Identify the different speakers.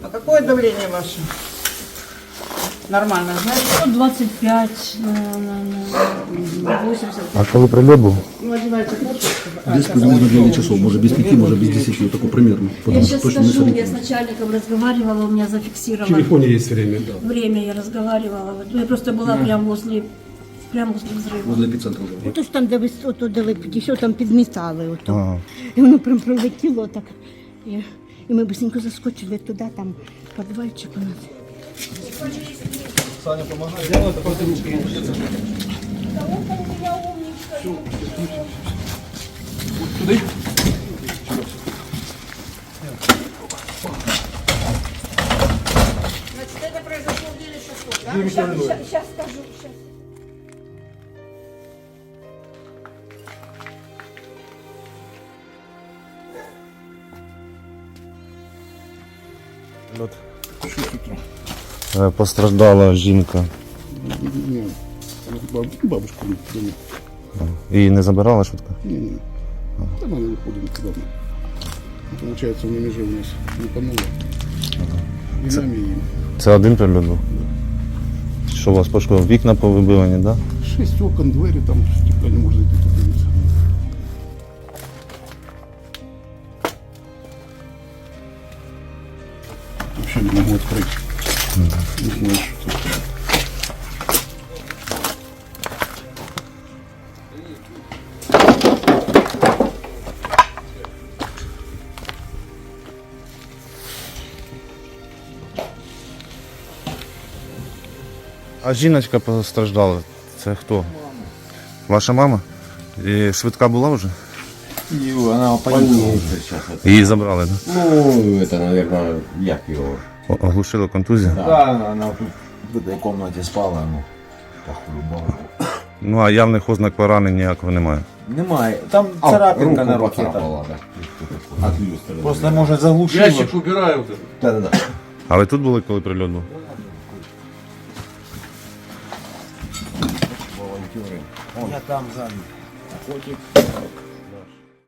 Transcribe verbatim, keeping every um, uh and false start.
Speaker 1: А какое давление ваше? Нормально, знаете?
Speaker 2: сто двадцать пять на, на, на восемьдесят.
Speaker 3: А коли прильот був?
Speaker 1: Ну, одевайте куртку. А,
Speaker 4: Без приблизно девять часов, может без пяти, может без десяти, вот такой примерно.
Speaker 2: Я
Speaker 4: Потому что
Speaker 2: сейчас
Speaker 4: точно не
Speaker 2: скажу, я с
Speaker 4: сориентируюсь.
Speaker 2: начальником разговаривала, у меня
Speaker 5: В
Speaker 2: зафиксировано
Speaker 5: телефоне есть время, да.
Speaker 2: время, я разговаривала. Вот я просто была прямо возле, прямо возле взрыва.
Speaker 4: Возле эпицентра уже.
Speaker 6: Ото ж там, де ви ото, де ви підійшов, там підмітали ото.
Speaker 3: Ага.
Speaker 6: І воно прям пролетіло так. І, і ми быстренько заскочили туди, там підвальчик у нас.
Speaker 1: Значит, это произошло в девять часов, да?
Speaker 6: Зараз скажу, зараз.
Speaker 3: Е, Постраждала жінка.
Speaker 4: Не, баб- бабушку дома.
Speaker 3: Її не забирала швидко?
Speaker 4: Не, не. Там она выходит никуда. Ну, получается, в Немеже у нас не помыло. И нами, и
Speaker 3: Це один прильот був? Що у вас пошкодило? Вікна повибивані, так? Да?
Speaker 4: шесть окон, двери, там стекла не может зайти, подивиться. Вообще не могу открыть. Не знаю, что это.
Speaker 3: А жіночка постраждала. Це хто? Ваша мама? І швидка була вже?
Speaker 7: И она больница сейчас. Это.
Speaker 3: Її забрали, так? Да?
Speaker 7: Ну, это, наверное, як его.
Speaker 3: О- Оглушила контузію?
Speaker 7: Да, она, она тут в этой комнате спала, ну, по-хулибану.
Speaker 3: Ну а явних ознак поранень ніякого немає.
Speaker 7: Немає. Там
Speaker 4: А,
Speaker 7: царапинка
Speaker 4: руку
Speaker 7: на руке.
Speaker 4: поцарапала,
Speaker 7: Да. От люстры. Просто, может, заглушила.
Speaker 5: Ящик убираю.
Speaker 7: Да-да-да.
Speaker 3: А ви тут були, коли прильот був?
Speaker 7: Волонтеры. Я там сзади. Котик.